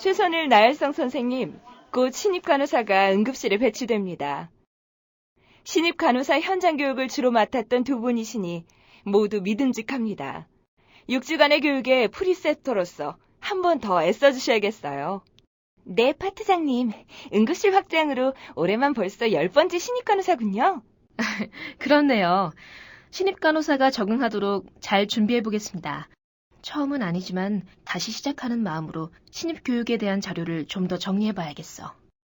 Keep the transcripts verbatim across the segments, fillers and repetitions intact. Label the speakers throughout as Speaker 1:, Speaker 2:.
Speaker 1: 최선일 나열성 선생님, 곧 신입 간호사가 응급실에 배치됩니다. 신입 간호사 현장 교육을 주로 맡았던 두 분이시니 모두 믿음직합니다. 육 주간의 교육에 프리셉터로서 한 번 더 애써주셔야겠어요. 네, 파트장님. 응급실 확장으로 올해만 벌써 열 번째 신입 간호사군요.
Speaker 2: 그렇네요. 신입 간호사가 적응하도록 잘 준비해보겠습니다. 처음은 아니지만 다시 시작하는 마음으로 신입 교육에 대한 자료를 좀 더 정리해봐야겠어.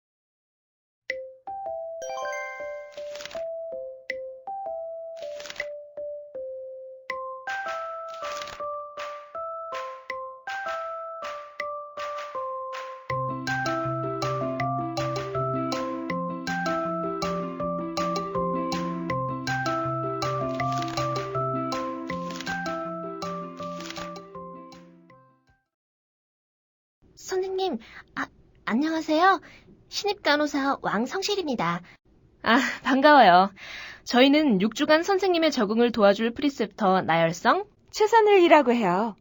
Speaker 3: 선생님, 아, 안녕하세요. 신입 간호사 왕성실입니다.
Speaker 2: 아, 반가워요. 저희는 육 주간 선생님의 적응을 도와줄 프리셉터 나열성,
Speaker 1: 최선일이라고 해요.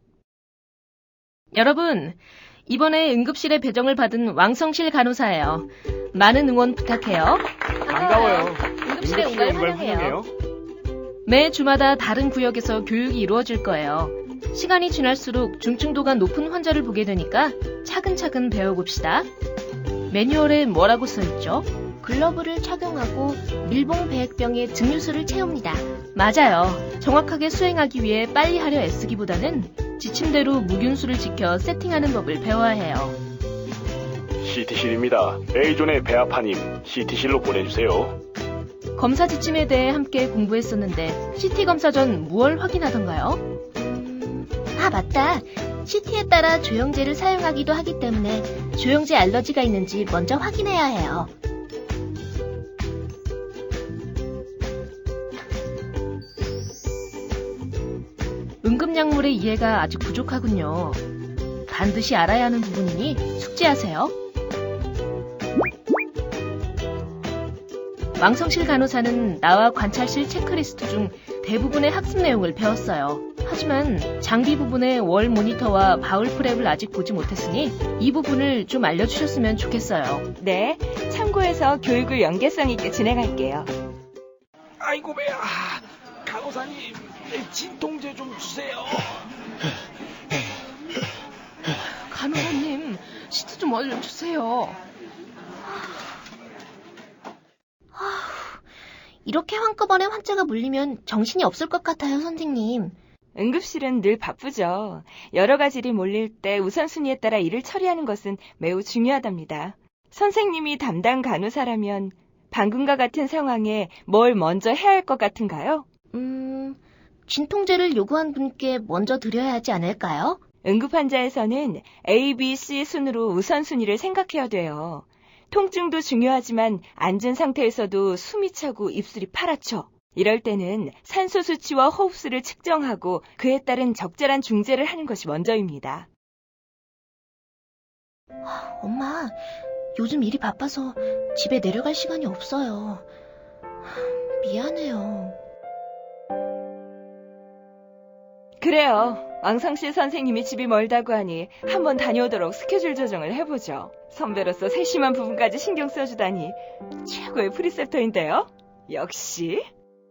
Speaker 2: 여러분, 이번에 응급실에 배정을 받은 왕성실 간호사예요. 많은 응원 부탁해요.
Speaker 4: 반가워요.
Speaker 2: 응급실에 온 걸 환영해요. 매 주마다 다른 구역에서 교육이 이루어질 거예요. 시간이 지날수록 중증도가 높은 환자를 보게 되니까 차근차근 배워봅시다. 매뉴얼에 뭐라고 써있죠?
Speaker 3: 글러브를 착용하고 밀봉 배액병에 증류수를 채웁니다.
Speaker 2: 맞아요. 정확하게 수행하기 위해 빨리 하려 애쓰기보다는 지침대로 무균수를 지켜 세팅하는 법을 배워야 해요.
Speaker 4: 씨티실입니다. A존의 배아파님, 씨티실로 보내주세요.
Speaker 2: 검사 지침에 대해 함께 공부했었는데 씨티 검사 전 무얼 확인하던가요?
Speaker 3: 아, 맞다. 씨티에 따라 조영제를 사용하기도 하기 때문에 조영제 알러지가 있는지 먼저 확인해야 해요.
Speaker 2: 응급약물의 이해가 아직 부족하군요. 반드시 알아야 하는 부분이니 숙지하세요. 왕성실 간호사는 나와 관찰실 체크리스트 중 대부분의 학습 내용을 배웠어요. 하지만 장비 부분의 월 모니터와 바울 프랩을 아직 보지 못했으니 이 부분을 좀 알려주셨으면 좋겠어요.
Speaker 1: 네, 참고해서 교육을 연계성 있게 진행할게요.
Speaker 5: 아이고 배야, 간호사님 진통제 좀 주세요.
Speaker 2: 간호사님, 시트 좀 알려주세요.
Speaker 3: 이렇게 한꺼번에 환자가 몰리면 정신이 없을 것 같아요, 선생님.
Speaker 1: 응급실은 늘 바쁘죠. 여러 가지 일이 몰릴 때 우선순위에 따라 일을 처리하는 것은 매우 중요하답니다. 선생님이 담당 간호사라면 방금과 같은 상황에 뭘 먼저 해야 할 것 같은가요?
Speaker 3: 음, 진통제를 요구한 분께 먼저 드려야 하지 않을까요?
Speaker 1: 응급 환자에서는 A, B, C 순으로 우선순위를 생각해야 돼요. 통증도 중요하지만 앉은 상태에서도 숨이 차고 입술이 파랗죠. 이럴 때는 산소 수치와 호흡수를 측정하고 그에 따른 적절한 중재를 하는 것이 먼저입니다.
Speaker 3: 엄마, 요즘 일이 바빠서 집에 내려갈 시간이 없어요. 미안해요.
Speaker 1: 그래요. 왕성실 선생님이 집이 멀다고 하니 한번 다녀오도록 스케줄 조정을 해보죠. 선배로서 세심한 부분까지 신경 써주다니 최고의 프리셉터인데요. 역시.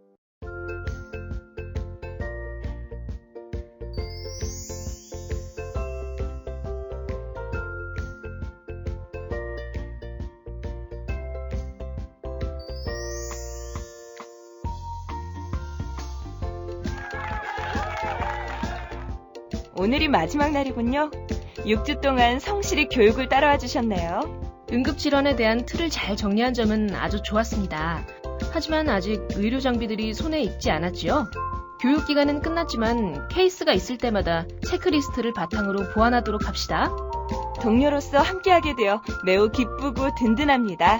Speaker 1: 오늘이 마지막 날이군요. 육 주 동안 성실히 교육을 따라와 주셨네요.
Speaker 2: 응급질환에 대한 틀을 잘 정리한 점은 아주 좋았습니다. 하지만 아직 의료 장비들이 손에 익지 않았지요. 교육기간은 끝났지만 케이스가 있을 때마다 체크리스트를 바탕으로 보완하도록 합시다.
Speaker 1: 동료로서 함께하게 되어 매우 기쁘고 든든합니다.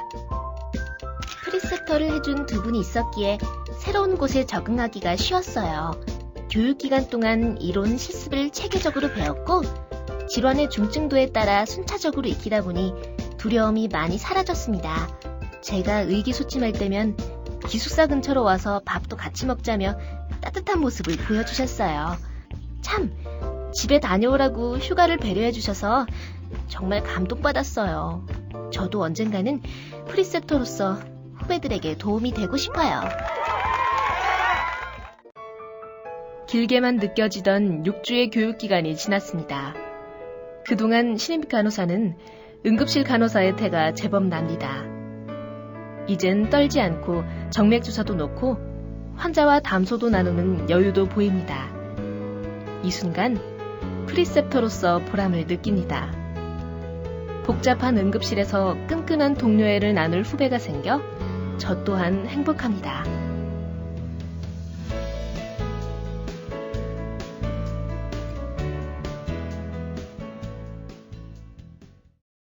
Speaker 3: 프리셉터를 해준 두 분이 있었기에 새로운 곳에 적응하기가 쉬웠어요. 교육기간 동안 이론 실습을 체계적으로 배웠고 질환의 중증도에 따라 순차적으로 익히다 보니 두려움이 많이 사라졌습니다. 제가 의기소침할 때면 기숙사 근처로 와서 밥도 같이 먹자며 따뜻한 모습을 보여주셨어요. 참, 집에 다녀오라고 휴가를 배려해 주셔서 정말 감동받았어요. 저도 언젠가는 프리셉터로서 후배들에게 도움이 되고 싶어요.
Speaker 2: 길게만 느껴지던 육 주의 교육기간이 지났습니다. 그동안 신입 간호사는 응급실 간호사의 태가 제법 납니다. 이젠 떨지 않고 정맥주사도 놓고 환자와 담소도 나누는 여유도 보입니다. 이 순간 프리셉터로서 보람을 느낍니다. 복잡한 응급실에서 끈끈한 동료애를 나눌 후배가 생겨 저 또한 행복합니다.